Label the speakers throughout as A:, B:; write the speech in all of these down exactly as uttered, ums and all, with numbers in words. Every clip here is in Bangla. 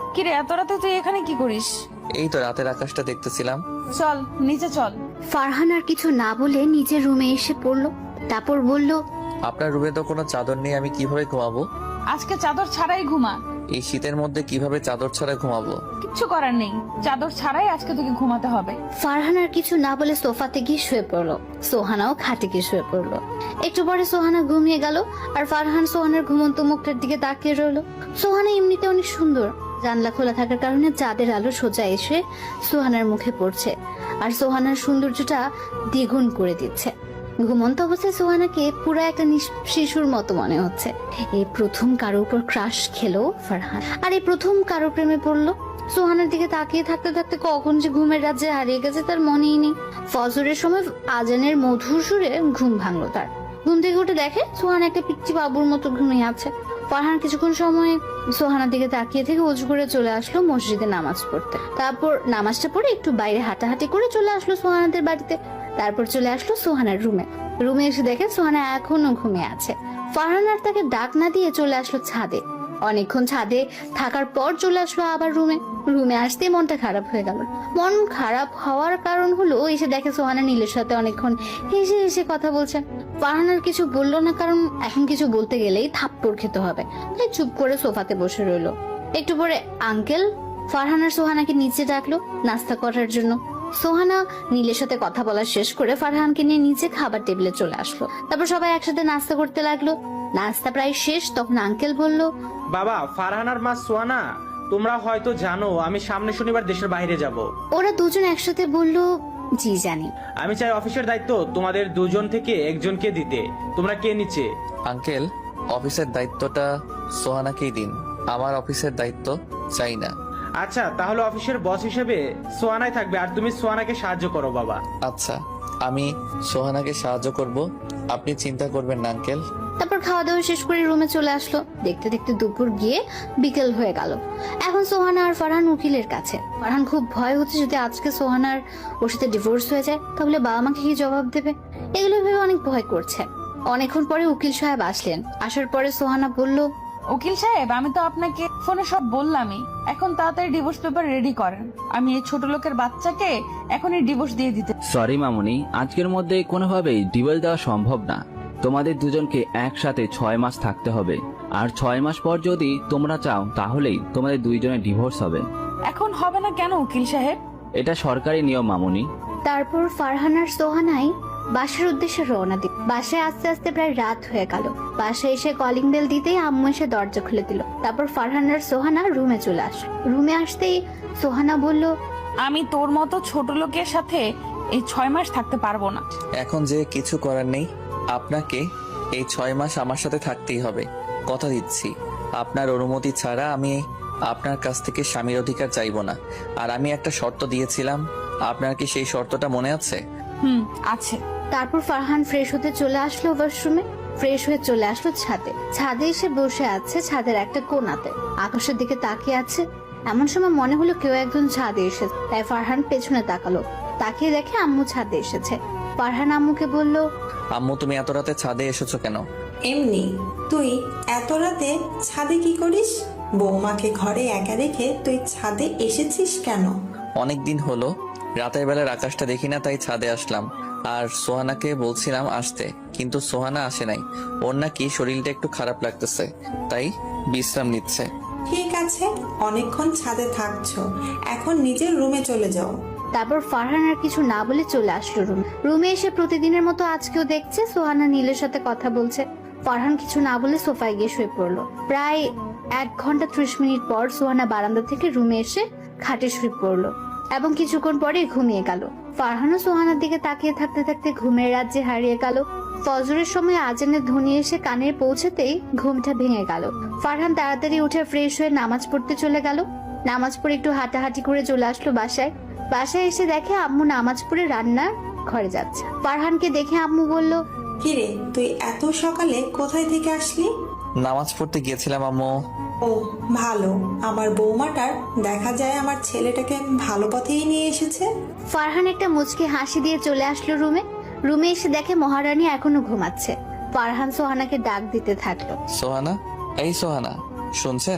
A: কিরে এত রাতে তুই এখানে কি করিস?
B: এই তো রাতের আকাশটা দেখতেছিলাম।
A: চল নিচে চল।
C: ফারহান আর কিছু না বলে নিজের রুমে এসে পড়লো। তারপর বলল,
B: আপনার রুমে তো কোনো চাদর নেই, আমি কিভাবে ঘুমাবো?
A: আজকে চাদর ছাড়াই ঘুমা।
B: এই শীতের মধ্যে কিভাবে চাদর ছাড়া ঘুমাবো?
A: কিচ্ছু করার নেই, চাদর ছাড়াই আজকে তোকে ঘুমাতে হবে।
C: ফারহান আর কিছু না বলে সোফাতে গিয়ে শুয়ে পড়লো। সোহানাও খাটে গিয়ে শুয়ে পড়লো। একটু পরে সোহানা ঘুমিয়ে গেল আর ফারহান সোহানার ঘুমন্ত মুখটার দিকে তাকিয়ে রইলো। সোহানা এমনিতে অনেক সুন্দর, জানলা খোলা থাকার কারণে চাঁদের আলো সোজা এসে সোহানার মুখে পড়ছে আর সোহানার সৌন্দর্যটা দ্বিগুণ করে দিচ্ছে। ঘুমন্ত অবস্থায় সোহানাকে পুরো একটা শিশুর মতো মনে হচ্ছে। এই প্রথম কারো উপর ক্রাশ খেলো ফারহান, আর এই প্রথম কারো প্রেমে পড়লো। সোহানার দিকে তাকিয়ে থাকতে থাকতে কখন যে ঘুমের রাজ্যে হারিয়ে গেছে তার মনেই নেই। ফজরের সময় আজানের মধুর সুরে ঘুম ভাঙলো তার। ঘুম থেকে উঠে দেখে সোহানা একটা পিচ্চি বাবুর মতো ঘুমিয়ে আছে। ফারহান কিছুক্ষণ সময় সোহানার দিকে তাকিয়ে থেকে উজু করে চলে আসলো মসজিদে নামাজ পড়তে। তারপর নামাজটা পড়ে একটু বাইরে হাঁটাহাঁটি করে চলে আসলো সোহানাদের বাড়িতে। তারপর চলে আসলো সোহানার রুমে। রুমে এসে দেখে সোহানা এখনো ঘুমিয়ে আছে। ফারহান আর তাকে ডাক না দিয়ে চলে আসলো ছাদে। অনেকক্ষণ ছাদে থাকার পর চলে আসলো আবার রুমে। রুমে আসতে মনটা খারাপ হয়ে গেল। মন খারাপ হওয়ার কারণ হলো এসে দেখে সোহানা নীলের সাথে অনেকক্ষণ হেসে হেসে কথা বলছে। ফারহান আর কিছু বললো না, কারণ এখন কিছু বলতে গেলেই থাপ্পড় খেতে হবে, তাই চুপ করে সোফাতে বসে রইলো। একটু পরে আঙ্কেল ফারহান আর সোহানাকে নিচে ডাকলো নাস্তা করার জন্য। সোহানা নীলের সাথে কথা বলা শেষ করে ফারহানকে নিয়ে নিচে খাবার টেবিলে চলে আসলো। তারপর সবাই একসাথে নাস্তা করতে লাগলো। নাস্তা প্রায় শেষ, তখন আঙ্কেল বলল,
D: বাবা, ফারহান আর মা সোহানা, তোমরা হয়তো জানো আমি সামনে শনিবার দেশের বাইরে যাব।
C: ওরা দুজন একসাথে বলল, জি জানি।
D: আমি চাই অফিসের দায়িত্ব তোমাদের দুজন থেকে একজনকে দিতে। তোমরা কে নিচে?
B: আঙ্কেল, অফিসের দায়িত্বটা সোহানাকেই দিন, আমার অফিসের দায়িত্ব চাই না।
D: আচ্ছা, তাহলে অফিসের বস হিসেবে সোহানাই থাকবে আর তুমি সোহানাকে সাহায্য করো বাবা।
B: আচ্ছা, আমি সোহানাকে সাহায্য করব, আপনি চিন্তা করবেন না আঙ্কেল।
C: তারপর খাওয়া দাওয়া শেষ করে রুমে চলে আসলো। দেখতে দেখতে দুপুর গিয়ে বিকেল হয়ে গেল। এখন সোহানা আর ফারহান উকিলের কাছে। ফারহান খুব ভয় হচ্ছে যদি আজকে সোহানার ওর সাথে ডিভোর্স হয়ে যায় তাহলে বাবা মাকে কি জবাব দেবে, এগুলো ভেবে অনেক ভয় করছে। অনেকক্ষণ পরে উকিল সাহেব আসলেন। আসার পরে সোহানা বলল,
A: উকিল সাহেব, আমি তো আপনাকে ফোনে সব বললামই, এখন তাড়াতাড়ি ডিভোর্স পেপার রেডি করেন। আমি এই ছোট লোকের বাচ্চাকে এখনই ডিভোর্স দিয়ে দিতে।
E: সরি মামুনি, আজকের মধ্যে কোনোভাবেই ডিভোর্স দেওয়া সম্ভব না। তোমাদের দুজনকে একসাথে ছয় মাস থাকতে হবে, আর ছয় মাস পর যদি তোমরা চাও তাহলেই তোমাদের দুইজনের ডিভোর্স হবে।
A: এখন হবে না কেন উকিল সাহেব?
E: এটা সরকারি নিয়ম মামুনি।
C: তারপর ফারহান আর সোহানাই বাসার উদ্দেশ্যে রওনা দিল। বাসায় আস্তে আস্তে প্রায় রাত হয়ে গেল। বাসায় এসে কলিং বেল দিতেই আম্মু এসে দরজা খুলে দিল। তারপর ফারহান আর সোহানা রুমে চলে আসলো। রুমে আসতেই সোহানা বলল,
A: আমি তোর মতো ছোট লোকের সাথে এই ছয় মাস থাকতে পারবো না।
B: এখন যে কিছু করার নেই, আপনাকে এই ছয় মাস আমার সাথে থাকতেই হবে, কথা দিচ্ছি। আপনার অনুমতি ছাড়া আমি আপনার কাছ থেকে স্বামীর অধিকার চাইবো না। আর আমি একটা শর্ত দিয়েছিলাম, আপনার কি সেই শর্তটা মনে আছে?
A: হুম, আছে।
C: তারপর ফারহান ফ্রেশ হতে চলে আসলো ওয়াশরুমে। ফ্রেশ হয়ে চলে আসলো ছাদে। ছাদে এসে বসে আছে ছাদের একটা কোণাতে, আকাশের দিকে তাকিয়ে আছে। এমন সময় মনে হলো কেউ একজন ছাদে এসেছে, তাই ফারহান পেছনে তাকালো। তাকিয়ে দেখে আম্মু ছাদে এসেছে। ফারহান আম্মুকে বলল,
B: আম্মু, তুমি এত রাতে ছাদে এসেছো কেন?
F: এমনি। তুই এত রাতে ছাদে কি করিস? বৌমাকে ঘরে একা রেখে তুই ছাদে এসেছিস কেন?
B: অনেক দিন হলো রাতের বেলার আকাশটা দেখি না, তাই ছাদে আসলাম। আর সোহানাকে বলছিলাম আসতে, কিন্তু সোহানা আসে নাই। ওর নাকি শরীরটা একটু খারাপ লাগতেছে, তাই বিশ্রাম নিচ্ছে।
F: ঠিক আছে, অনেকক্ষণ ছাদে থাকছো, এখন নিজের রুমে চলে যাও।
C: তারপর ফারহান আর কিছু না বলে চলে আসলো রুমে। রুমে এসে প্রতিদিনের মতো আজকেও দেখছে সোহানা নীলের সাথে কথা বলছে। ফারহান কিছু না বলে সোফায় গিয়ে শুয়ে পড়লো। প্রায় এক ঘন্টা ত্রিশ মিনিট পর সোহানা বারান্দা থেকে রুমে এসে খাটে শুয়ে পড়লো এবং কিছুক্ষণ পরে ঘুমিয়ে গেল। ফারহানও সোহানার দিকে তাকিয়ে থাকতে থাকতে ঘুমের রাজ্যে হারিয়ে গেল। ফজরের সময় আজানের ধ্বনি এসে কানে পৌঁছাতেই ঘুমটা ভেঙে গেল। ফারহান তাড়াতাড়ি উঠে ফ্রেশ হয়ে নামাজ পড়তে চলে গেল। নামাজ পড়ে একটু হাঁটাহাঁটি করে চলে আসলো বাসায়। বাসায় এসে দেখে আম্মু নামাজ পড়ে রান্নার ঘরে যাচ্ছে। ফারহানকে দেখে আম্মু বলল,
F: কিরে, তুই এত সকালে কোথায় থেকে আসলি?
B: নামাজ পড়তে গিয়েছিলাম আম্মু।
F: ও ভালো, আমার বৌমাটার দেখা যায় আমার ছেলেটাকে ভালো পথেই নিয়ে এসেছে।
C: ফারহান একটা মুচকি হাসি দিয়ে চলে আসলো রুমে। রুমে এসে দেখে মহারানী এখনো ঘুমাচ্ছে। ফারহান সোহানাকে ডাক দিতে থাকলো।
B: সোহানা, এই সোহানা, শুনছেন?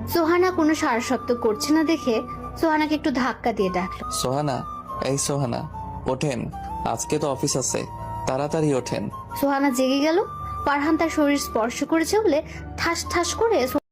C: সোহানা কোনো সারা শব্দ করছে না দেখে সোহানাকে একটু ধাক্কা দিয়ে ডাকলো।
B: সোহানা, এই সোহানা, ওঠেন, আজকে তো অফিস আছে, তাড়াতাড়ি ওঠেন।
C: সোহানা জেগে গেল। ফারহান তার শরীর স্পর্শ করেছে বলে ঠাস ঠাস করে